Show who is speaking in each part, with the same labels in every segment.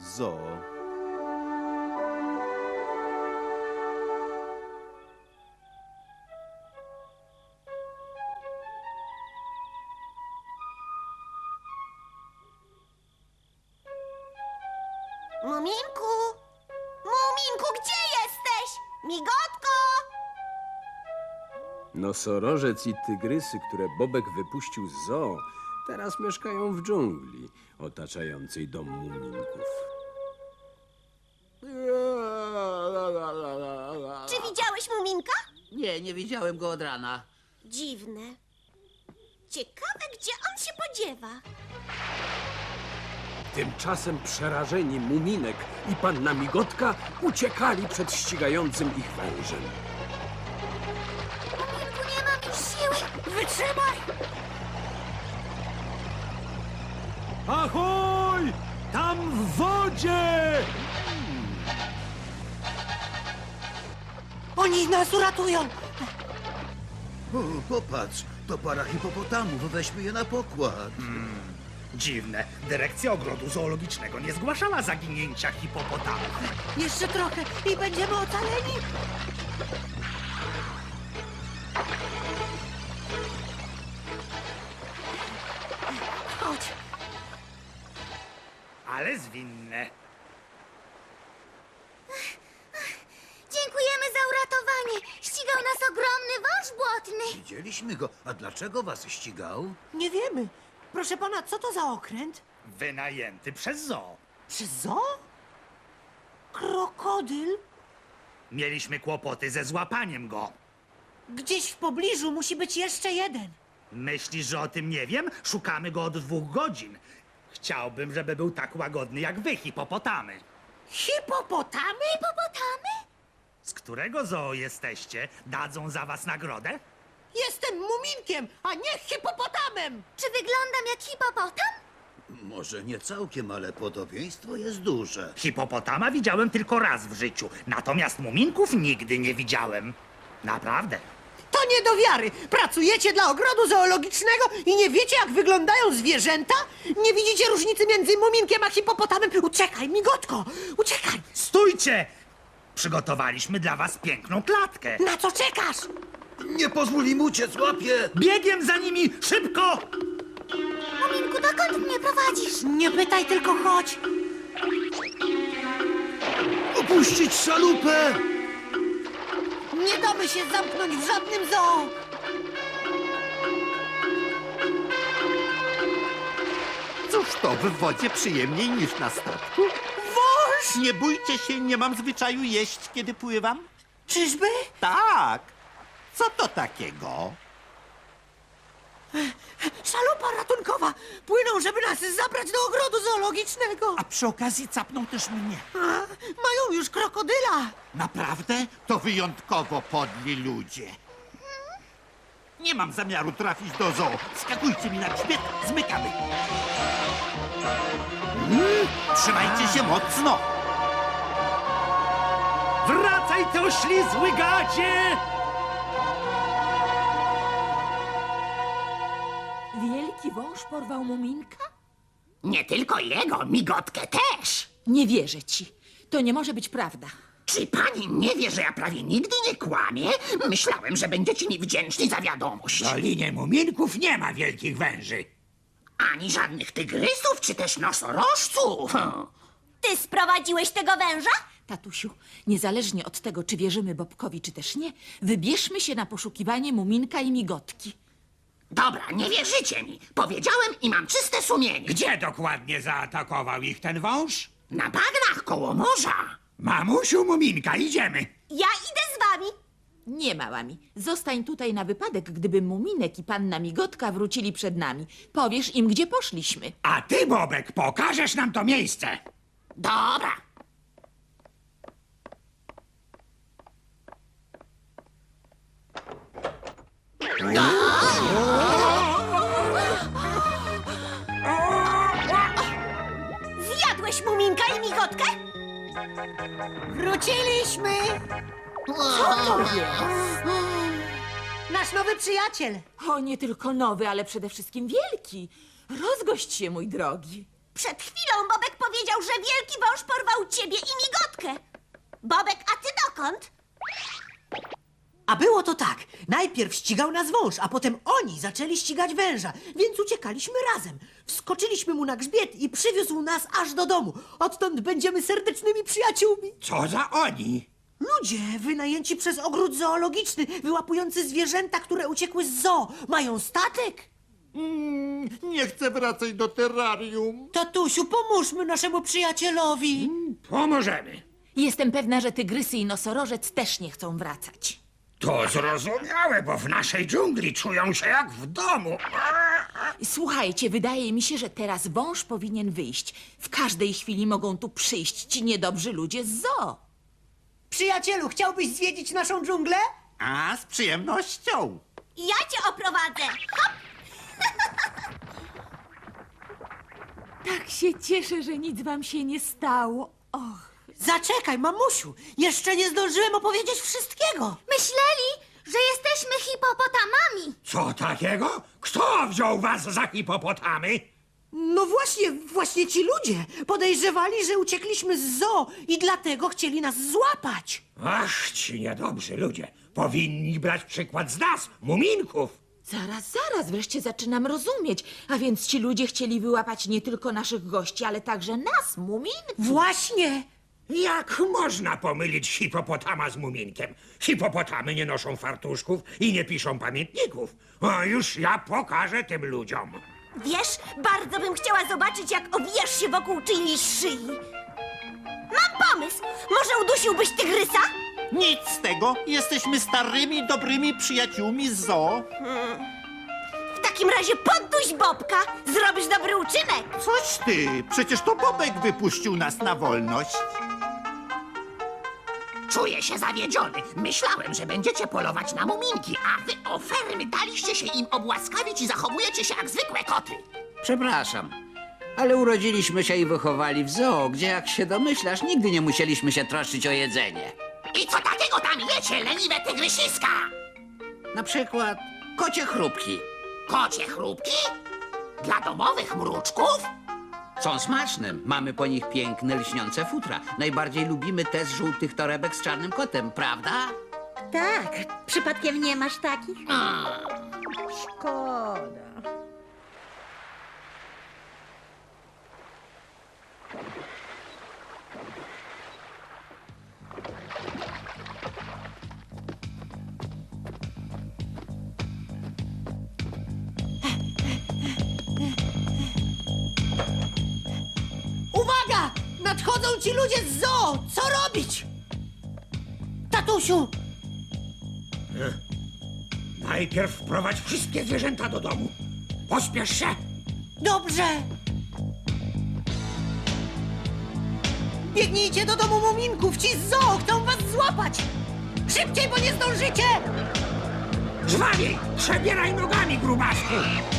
Speaker 1: zoo.
Speaker 2: Muminku! Muminku, gdzie jesteś? Migotko!
Speaker 3: Nosorożec i tygrysy, które Bobek wypuścił z zoo, teraz mieszkają w dżungli otaczającej dom muminków.
Speaker 2: Czy widziałeś Muminka?
Speaker 4: Nie widziałem go od rana.
Speaker 2: Dziwne. Ciekawe, gdzie on się podziewa.
Speaker 3: Tymczasem przerażeni Muminek i panna Migotka uciekali przed ścigającym ich wężem.
Speaker 2: Muminku, nie mam już siły.
Speaker 4: Wytrzymaj!
Speaker 3: Ahoj! Tam w wodzie!
Speaker 4: Oni nas uratują!
Speaker 5: O, popatrz, to para hipopotamów, weźmy je na pokład.
Speaker 6: Dziwne. Dyrekcja ogrodu zoologicznego nie zgłaszała zaginięcia hipopotamów.
Speaker 4: Jeszcze trochę i będziemy ocaleni! Chodź!
Speaker 6: Ale zwinne.
Speaker 2: Dziękujemy za uratowanie. Ścigał nas ogromny wąż błotny.
Speaker 5: Widzieliśmy go, a dlaczego was ścigał?
Speaker 4: Nie wiemy. Proszę pana, co to za okręt?
Speaker 6: Wynajęty przez zoo.
Speaker 4: Przez zoo? Krokodyl?
Speaker 6: Mieliśmy kłopoty ze złapaniem go.
Speaker 4: Gdzieś w pobliżu musi być jeszcze jeden.
Speaker 6: Myślisz, że o tym nie wiem? Szukamy go od 2 godzin. Chciałbym, żeby był tak łagodny jak wy, hipopotamy.
Speaker 4: Hipopotamy?
Speaker 2: Hipopotamy?
Speaker 6: Z którego zoo jesteście? Dadzą za was nagrodę?
Speaker 4: Jestem muminkiem, a nie hipopotamem!
Speaker 2: Czy wyglądam jak hipopotam?
Speaker 5: Może nie całkiem, ale podobieństwo jest duże.
Speaker 6: Hipopotama widziałem tylko raz w życiu, natomiast muminków nigdy nie widziałem. Naprawdę.
Speaker 4: To nie do wiary! Pracujecie dla ogrodu zoologicznego i nie wiecie, jak wyglądają zwierzęta? Nie widzicie różnicy między muminkiem a hipopotamem? Uciekaj, migotko! Uciekaj!
Speaker 6: Stójcie! Przygotowaliśmy dla was piękną klatkę.
Speaker 4: Na co czekasz?
Speaker 5: Nie pozwól im uciec, łapie!
Speaker 6: Biegiem za nimi! Szybko!
Speaker 2: Muminku, dokąd mnie prowadzisz?
Speaker 4: Nie pytaj, tylko chodź!
Speaker 5: Opuścić szalupę!
Speaker 4: Nie damy się zamknąć w żadnym zoo!
Speaker 7: Cóż to, w wodzie przyjemniej niż na statku?
Speaker 4: Wąż!
Speaker 7: Nie bójcie się, nie mam zwyczaju jeść, kiedy pływam.
Speaker 4: Czyżby?
Speaker 7: Tak. Co to takiego?
Speaker 4: Szalupa ratunkowa! Płyną, żeby nas zabrać do ogrodu zoologicznego!
Speaker 7: A przy okazji capną też mnie.
Speaker 4: Mają już krokodyla!
Speaker 7: Naprawdę? To wyjątkowo podli ludzie. Nie mam zamiaru trafić do zoo. Skakujcie mi na grzbiet, zmykamy. Trzymajcie się mocno.
Speaker 6: Wracaj, ty oślizły gadzie!
Speaker 8: Wielki wąż porwał muminka?
Speaker 9: Nie tylko jego, migotkę też.
Speaker 8: Nie wierzę ci. To nie może być prawda.
Speaker 9: Czy pani nie wie, że ja prawie nigdy nie kłamię? Myślałem, że będziecie mi wdzięczni za wiadomość.
Speaker 6: W Dolinie Muminków nie ma wielkich węży.
Speaker 9: Ani żadnych tygrysów, czy też nosorożców.
Speaker 2: Ty sprowadziłeś tego węża?
Speaker 8: Tatusiu, niezależnie od tego, czy wierzymy Bobkowi, czy też nie, wybierzmy się na poszukiwanie muminka i migotki.
Speaker 9: Dobra, nie wierzycie mi. Powiedziałem i mam czyste sumienie.
Speaker 6: Gdzie dokładnie zaatakował ich ten wąż?
Speaker 9: Na bagnach koło morza.
Speaker 6: Mamusiu Muminka, idziemy.
Speaker 2: Ja idę z wami.
Speaker 8: Nie, małami. Zostań tutaj na wypadek, gdyby muminek i panna migotka wrócili przed nami. Powiesz im, gdzie poszliśmy.
Speaker 6: A ty, Bobek, pokażesz nam to miejsce.
Speaker 9: Dobra.
Speaker 2: Zjadłeś Muminka i migotkę?
Speaker 4: Wróciliśmy! Co to jest? Nasz nowy przyjaciel!
Speaker 8: O, nie tylko nowy, ale przede wszystkim wielki. Rozgość się, mój drogi.
Speaker 2: Przed chwilą Bobek powiedział, że wielki wąż porwał ciebie i migotkę. Bobek, a ty dokąd?
Speaker 4: A było to tak. Najpierw ścigał nas wąż, a potem oni zaczęli ścigać węża, więc uciekaliśmy razem. Wskoczyliśmy mu na grzbiet i przywiózł nas aż do domu. Odtąd będziemy serdecznymi przyjaciółmi.
Speaker 7: Co za oni?
Speaker 4: Ludzie wynajęci przez ogród zoologiczny, wyłapujący zwierzęta, które uciekły z zoo. Mają statek.
Speaker 7: Nie chcę wracać do terrarium.
Speaker 4: Tatusiu, pomóżmy naszemu przyjacielowi.
Speaker 6: Pomożemy.
Speaker 8: Jestem pewna, że tygrysy i nosorożec też nie chcą wracać.
Speaker 6: To zrozumiałe, bo w naszej dżungli czują się jak w domu.
Speaker 8: Słuchajcie, wydaje mi się, że teraz wąż powinien wyjść. W każdej chwili mogą tu przyjść ci niedobrzy ludzie z zoo.
Speaker 4: Przyjacielu, chciałbyś zwiedzić naszą dżunglę?
Speaker 7: A, z przyjemnością.
Speaker 2: Ja cię oprowadzę. Hop!
Speaker 8: Tak się cieszę, że nic wam się nie stało. Och.
Speaker 4: Zaczekaj, mamusiu. Jeszcze nie zdążyłem opowiedzieć wszystkiego.
Speaker 2: Myśleli, że jesteśmy hipopotamami.
Speaker 6: Co takiego? Kto wziął was za hipopotamy?
Speaker 4: No właśnie ci ludzie podejrzewali, że uciekliśmy z zoo i dlatego chcieli nas złapać.
Speaker 6: Ach, ci niedobrzy ludzie. Powinni brać przykład z nas, muminków.
Speaker 8: Zaraz, wreszcie zaczynam rozumieć. A więc ci ludzie chcieli wyłapać nie tylko naszych gości, ale także nas, muminków.
Speaker 4: Właśnie.
Speaker 6: Jak można pomylić hipopotama z muminkiem? Hipopotamy nie noszą fartuszków i nie piszą pamiętników. A już ja pokażę tym ludziom.
Speaker 2: Wiesz, bardzo bym chciała zobaczyć, jak owijasz się wokół czyjejś szyi. Mam pomysł. Może udusiłbyś tygrysa?
Speaker 7: Nic z tego. Jesteśmy starymi, dobrymi przyjaciółmi z zoo.
Speaker 2: W takim razie podduś Bobka. Zrobisz dobry uczynek.
Speaker 7: Coś ty. Przecież to Bobek wypuścił nas na wolność.
Speaker 9: Czuję się zawiedziony. Myślałem, że będziecie polować na muminki, a wy ofermy daliście się im obłaskawić i zachowujecie się jak zwykłe koty.
Speaker 1: Przepraszam, ale urodziliśmy się i wychowali w zoo, gdzie, jak się domyślasz, nigdy nie musieliśmy się troszczyć o jedzenie.
Speaker 9: I co takiego tam jecie, leniwe tygrysiska?
Speaker 1: Na przykład kocie chrupki.
Speaker 9: Kocie chrupki? Dla domowych mruczków?
Speaker 1: Są smaczne. Mamy po nich piękne, lśniące futra. Najbardziej lubimy te z żółtych torebek z czarnym kotem, prawda?
Speaker 2: Tak, przypadkiem nie masz takich?
Speaker 4: Szkoda. Uwaga! Nadchodzą ci ludzie z zoo! Co robić? Tatusiu!
Speaker 6: Najpierw wprowadź wszystkie zwierzęta do domu. Pospiesz się.
Speaker 4: Dobrze! Biegnijcie do domu muminków! Ci z zoo chcą was złapać! Szybciej, bo nie zdążycie!
Speaker 6: Żwawiej! Przebieraj nogami, grubasku!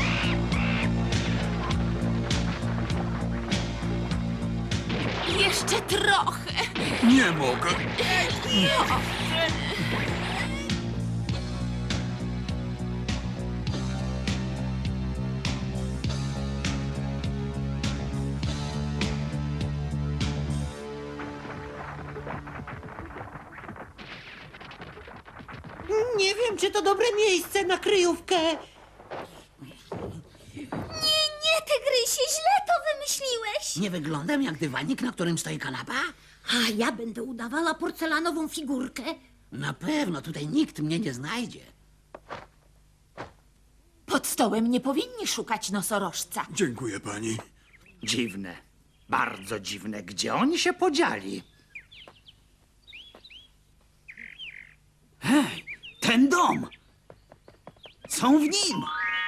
Speaker 8: Jeszcze trochę.
Speaker 7: Nie mogę.
Speaker 4: Nie wiem, czy to dobre miejsce na kryjówkę.
Speaker 2: Nie, tygrysie, źle to wymyśliłeś.
Speaker 1: Nie wyglądam jak dywanik, na którym stoi kanapa?
Speaker 2: A ja będę udawała porcelanową figurkę.
Speaker 1: Na pewno, tutaj nikt mnie nie znajdzie.
Speaker 8: Pod stołem nie powinni szukać nosorożca.
Speaker 5: Dziękuję pani.
Speaker 6: Dziwne. Bardzo dziwne. Gdzie oni się podzieli?
Speaker 7: Hej, ten dom. Są w nim.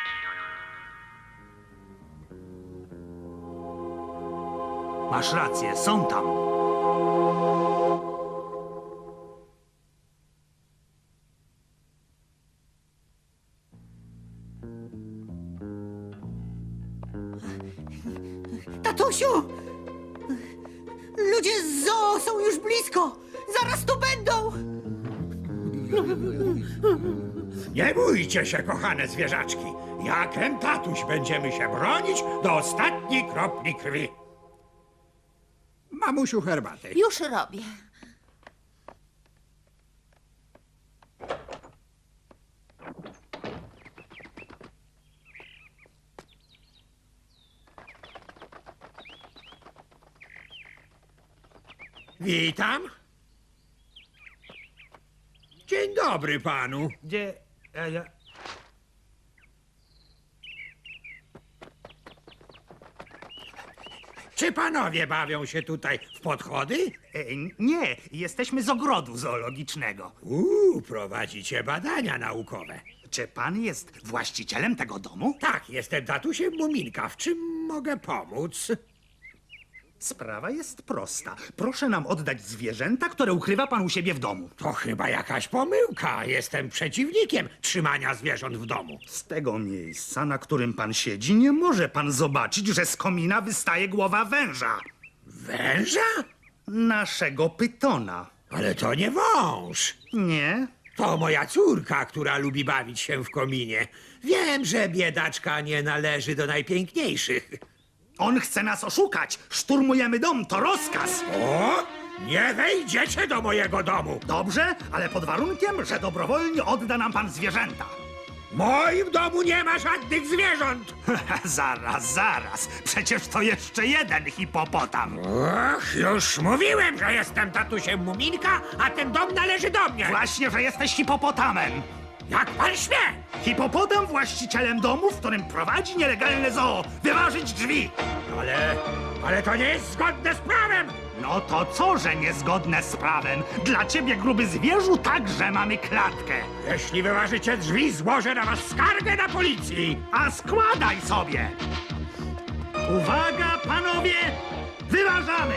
Speaker 6: Masz rację, są tam.
Speaker 4: Tatusiu! Ludzie z zoo są już blisko! Zaraz tu będą!
Speaker 6: Nie bójcie się, kochane zwierzaczki. Jak ten tatuś będziemy się bronić do ostatniej kropli krwi. Mamusiu, herbaty.
Speaker 8: Już robię.
Speaker 6: Witam. Dzień dobry panu.
Speaker 10: Gdzie...
Speaker 6: Czy panowie bawią się tutaj w podchody?
Speaker 10: Nie, jesteśmy z ogrodu zoologicznego.
Speaker 6: Prowadzicie badania naukowe.
Speaker 10: Czy pan jest właścicielem tego domu?
Speaker 6: Tak, jestem tatusiem Muminka. W czym mogę pomóc?
Speaker 10: Sprawa jest prosta. Proszę nam oddać zwierzęta, które ukrywa pan u siebie w domu.
Speaker 6: To chyba jakaś pomyłka. Jestem przeciwnikiem trzymania zwierząt w domu.
Speaker 10: Z tego miejsca, na którym pan siedzi, nie może pan zobaczyć, że z komina wystaje głowa węża.
Speaker 6: Węża?
Speaker 10: Naszego pytona.
Speaker 6: Ale to nie wąż.
Speaker 10: Nie?
Speaker 6: To moja córka, która lubi bawić się w kominie. Wiem, że biedaczka nie należy do najpiękniejszych.
Speaker 10: On chce nas oszukać. Szturmujemy dom, to rozkaz.
Speaker 6: O! Nie wejdziecie do mojego domu!
Speaker 10: Dobrze, ale pod warunkiem, że dobrowolnie odda nam pan zwierzęta.
Speaker 6: W moim domu nie ma żadnych zwierząt!
Speaker 10: Zaraz. Przecież to jeszcze jeden hipopotam.
Speaker 6: Och, już mówiłem, że jestem tatusiem Muminka, a ten dom należy do mnie!
Speaker 10: Właśnie, że jesteś hipopotamem.
Speaker 6: Jak pan śmie!
Speaker 10: Hipopotam właścicielem domu, w którym prowadzi nielegalne zoo. Wyważyć drzwi.
Speaker 6: Ale to nie jest zgodne z prawem!
Speaker 10: No to co, że niezgodne z prawem? Dla ciebie, gruby zwierzu, także mamy klatkę.
Speaker 6: Jeśli wyważycie drzwi, złożę na was skargę na policji!
Speaker 10: A składaj sobie. Uwaga, panowie! Wyważamy!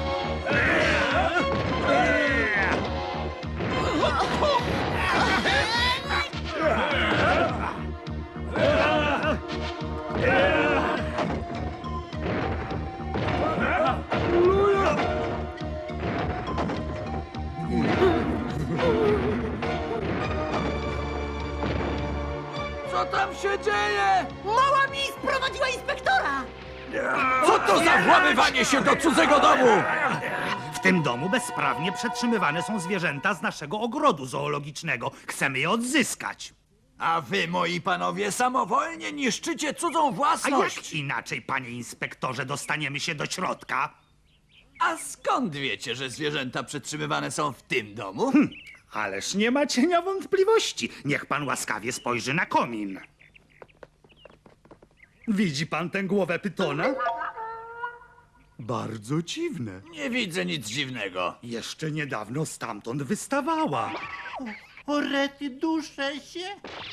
Speaker 1: Co tam się dzieje?
Speaker 4: Mała mi sprowadziła inspektora!
Speaker 1: Co to za włamywanie się do cudzego domu?
Speaker 10: W tym domu bezprawnie przetrzymywane są zwierzęta z naszego ogrodu zoologicznego. Chcemy je odzyskać.
Speaker 1: A wy, moi panowie, samowolnie niszczycie cudzą
Speaker 10: A
Speaker 1: własność.
Speaker 10: jak inaczej, panie inspektorze, dostaniemy się do środka?
Speaker 1: A skąd wiecie, że zwierzęta przetrzymywane są w tym domu?
Speaker 10: Ależ nie ma cienia wątpliwości. Niech pan łaskawie spojrzy na komin. Widzi pan tę głowę pytona? Bardzo dziwne.
Speaker 1: Nie widzę nic dziwnego.
Speaker 10: Jeszcze niedawno stamtąd wystawała.
Speaker 7: O rety, duszę się.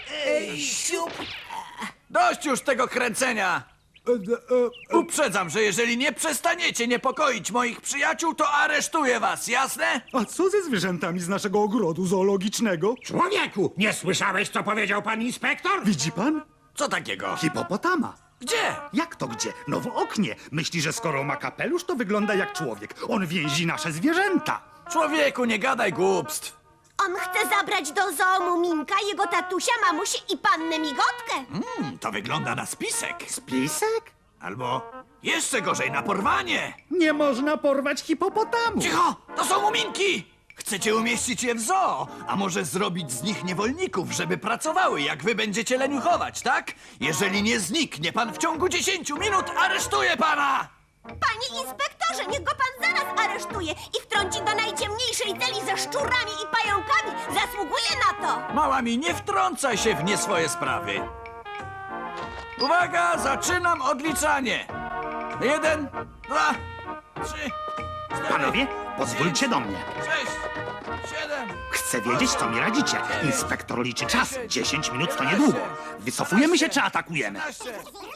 Speaker 1: Dość już tego kręcenia! Uprzedzam, że jeżeli nie przestaniecie niepokoić moich przyjaciół, to aresztuję was, jasne?
Speaker 10: A co ze zwierzętami z naszego ogrodu zoologicznego?
Speaker 6: Człowieku, nie słyszałeś, co powiedział pan inspektor?
Speaker 10: Widzi pan?
Speaker 1: Co takiego?
Speaker 10: Hipopotama.
Speaker 1: Gdzie?
Speaker 10: Jak to gdzie? No w oknie. Myśli, że skoro ma kapelusz, to wygląda jak człowiek. On więzi nasze zwierzęta.
Speaker 1: Człowieku, nie gadaj głupstw.
Speaker 2: On chce zabrać do zoo Muminka, jego tatusia, mamusię i pannę Migotkę.
Speaker 1: To wygląda na spisek.
Speaker 10: Spisek?
Speaker 1: Albo jeszcze gorzej, na porwanie.
Speaker 10: Nie można porwać hipopotamu.
Speaker 1: Cicho! To są muminki! Chcecie umieścić je w zoo, a może zrobić z nich niewolników, żeby pracowały, jak wy będziecie leniuchować, tak? Jeżeli nie zniknie pan w ciągu 10 minut, aresztuję pana!
Speaker 2: Panie inspektorze, niech go pan zaraz aresztuje i wtrąci do najciemniejszej celi ze szczurami i pająkami. Zasługuje na to.
Speaker 1: Mała mi, nie wtrącaj się w nie swoje sprawy. Uwaga, zaczynam odliczanie. 1, 2, 3, 4,
Speaker 10: Panowie, pozwólcie do mnie.
Speaker 1: 6, 7.
Speaker 10: Chcę wiedzieć, co mi radzicie. Inspektor liczy czas. 10 minut to niedługo. Wycofujemy się czy atakujemy?
Speaker 1: 15.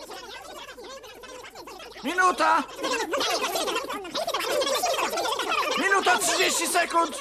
Speaker 1: Minuta! Minuta 30 sekund!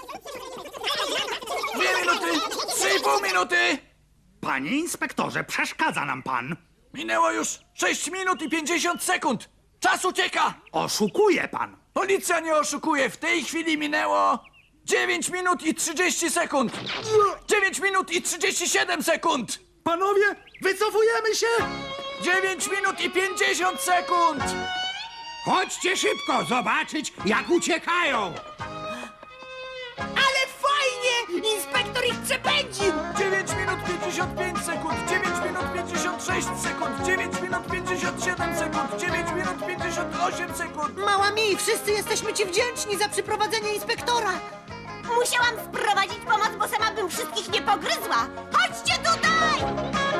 Speaker 1: 2 minuty! 3,5 minuty!
Speaker 10: Panie inspektorze, przeszkadza nam pan.
Speaker 1: Minęło już 6 minut i 50 sekund! Czas ucieka!
Speaker 10: Oszukuje pan.
Speaker 1: Policja nie oszukuje, w tej chwili minęło 9 minut i 30 sekund! 9 minut i 37 sekund!
Speaker 10: Panowie, wycofujemy się!
Speaker 1: 9 minut i 50 sekund!
Speaker 6: Chodźcie szybko zobaczyć, jak uciekają!
Speaker 4: Ale fajnie! Inspektor ich przepędził!
Speaker 1: 9 minut 55 sekund! 9 minut 56 sekund! 9 minut 57 sekund! 9 minut 58 sekund!
Speaker 4: Mała mi, wszyscy jesteśmy ci wdzięczni za przyprowadzenie inspektora!
Speaker 2: Musiałam sprowadzić pomoc, bo sama bym wszystkich nie pogryzła. Chodźcie tutaj!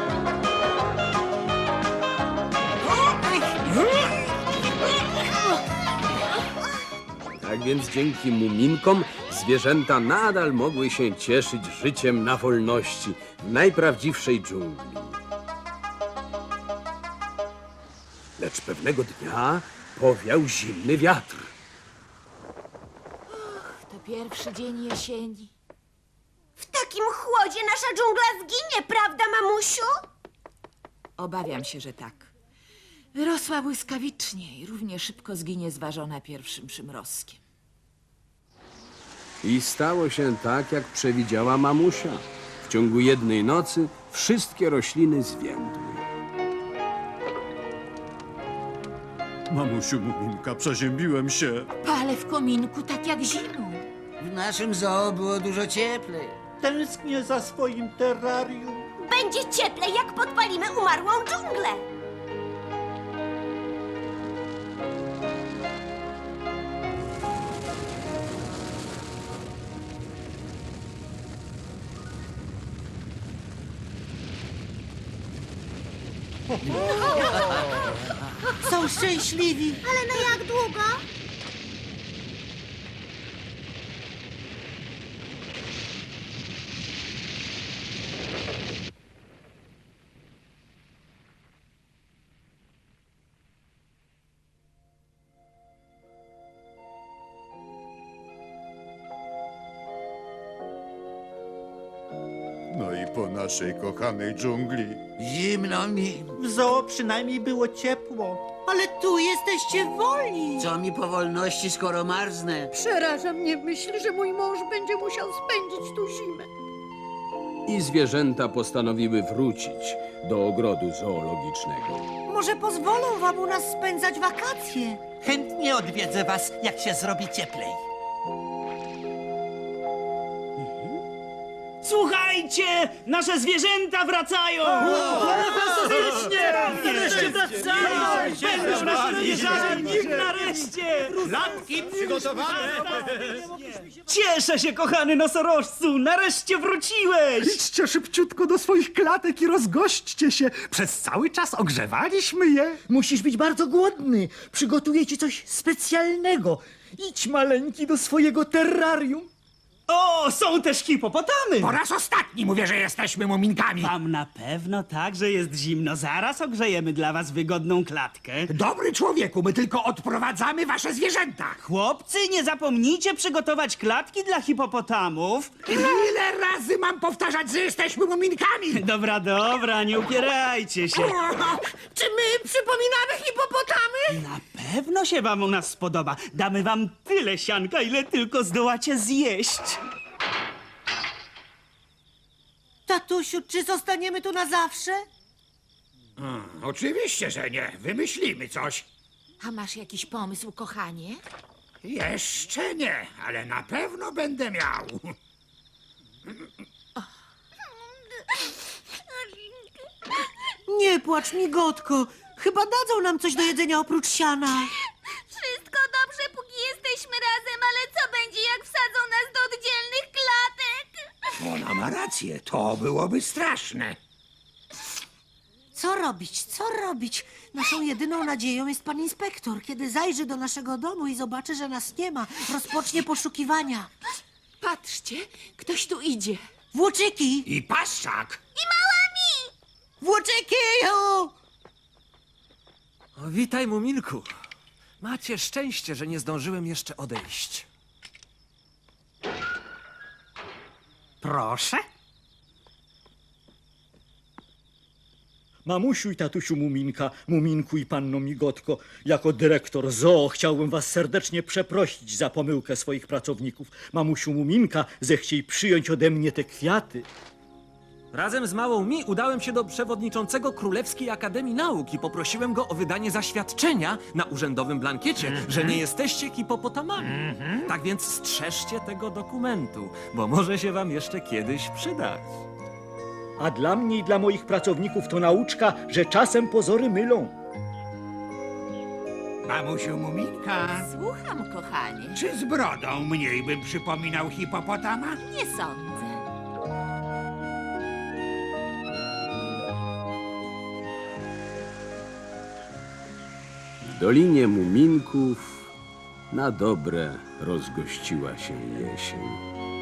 Speaker 3: Tak więc dzięki muminkom zwierzęta nadal mogły się cieszyć życiem na wolności w najprawdziwszej dżungli. Lecz pewnego dnia powiał zimny wiatr.
Speaker 8: To pierwszy dzień jesieni.
Speaker 2: W takim chłodzie nasza dżungla zginie, prawda, mamusiu?
Speaker 8: Obawiam się, że tak. Wyrosła błyskawicznie i równie szybko zginie zważona pierwszym przymrozkiem.
Speaker 3: I stało się tak, jak przewidziała mamusia. W ciągu jednej nocy wszystkie rośliny zwiędły.
Speaker 5: Mamusiu Muminka, przeziębiłem się.
Speaker 8: Palę w kominku tak jak zimą.
Speaker 11: W naszym zoo było dużo cieplej.
Speaker 10: Tęsknię za swoim terrarium.
Speaker 2: Będzie cieplej, jak podpalimy umarłą dżunglę.
Speaker 4: Są szczęśliwi!
Speaker 2: Ale na jak długo?
Speaker 5: No i po naszej kochanej dżungli.
Speaker 11: Zimno mi.
Speaker 10: W zoo przynajmniej było ciepło.
Speaker 4: Ale tu jesteście wolni!
Speaker 11: Co mi po wolności, skoro marznę?
Speaker 12: Przeraża mnie myśl, że mój mąż będzie musiał spędzić tu zimę.
Speaker 3: I zwierzęta postanowiły wrócić do ogrodu zoologicznego.
Speaker 4: Może pozwolą wam u nas spędzać wakacje?
Speaker 11: Chętnie odwiedzę was, jak się zrobi cieplej.
Speaker 10: Słuchajcie! Nasze zwierzęta wracają! Fantastycznie! Nareszcie wracają! Będą nasze zwierzęta! Nareszcie! Lampki przygotowane! Cieszę się, kochany nosorożcu! Nareszcie wróciłeś!
Speaker 13: Idźcie szybciutko do swoich klatek i rozgośćcie się. Przez cały czas ogrzewaliśmy je.
Speaker 10: Musisz być bardzo głodny. Przygotuję ci coś specjalnego. Idź, maleńki, do swojego terrarium. O, są też hipopotamy!
Speaker 6: Po raz ostatni mówię, że jesteśmy muminkami.
Speaker 14: Wam na pewno tak, że jest zimno. Zaraz ogrzejemy dla was wygodną klatkę.
Speaker 6: Dobry człowieku, my tylko odprowadzamy wasze zwierzęta.
Speaker 14: Chłopcy, nie zapomnijcie przygotować klatki dla hipopotamów.
Speaker 6: Ile razy mam powtarzać, że jesteśmy muminkami?
Speaker 14: Dobra, dobra, nie upierajcie się.
Speaker 2: Czy my przypominamy hipopotamy?
Speaker 14: Na pewno się wam u nas spodoba. Damy wam tyle sianka, ile tylko zdołacie zjeść.
Speaker 4: Tatusiu, czy zostaniemy tu na zawsze?
Speaker 6: Oczywiście, że nie. Wymyślimy coś.
Speaker 8: A masz jakiś pomysł, kochanie?
Speaker 6: Jeszcze nie, ale na pewno będę miał.
Speaker 4: Nie płacz, migotko. Chyba dadzą nam coś do jedzenia oprócz siana.
Speaker 2: Wszystko dobrze, póki jesteśmy razem, ale co będzie, jak wsadzą nas do oddzielnych klatek?
Speaker 6: Ona ma rację, to byłoby straszne.
Speaker 4: Co robić? Co robić? Naszą jedyną nadzieją jest pan inspektor. Kiedy zajrzy do naszego domu i zobaczy, że nas nie ma, rozpocznie poszukiwania.
Speaker 8: Patrzcie, ktoś tu idzie.
Speaker 4: Włóczyki!
Speaker 6: I paszczak.
Speaker 4: Włóczyki!
Speaker 15: O, witaj, Muminku. Macie szczęście, że nie zdążyłem jeszcze odejść.
Speaker 10: Proszę. Mamusiu i tatusiu Muminka, Muminku i panno Migotko, jako dyrektor zoo chciałbym was serdecznie przeprosić za pomyłkę swoich pracowników. Mamusiu Muminka, zechciej przyjąć ode mnie te kwiaty.
Speaker 15: Razem z małą Mi udałem się do przewodniczącego Królewskiej Akademii Nauk i poprosiłem go o wydanie zaświadczenia na urzędowym blankiecie, że nie jesteście hipopotamami. Tak więc strzeżcie tego dokumentu, bo może się wam jeszcze kiedyś przydać.
Speaker 10: A dla mnie i dla moich pracowników to nauczka, że czasem pozory mylą.
Speaker 6: Mamusiu Muminka,
Speaker 8: Słucham, kochanie.
Speaker 6: czy z brodą mniej bym przypominał hipopotama?
Speaker 8: Nie sądzę.
Speaker 3: W Dolinie Muminków na dobre rozgościła się jesień.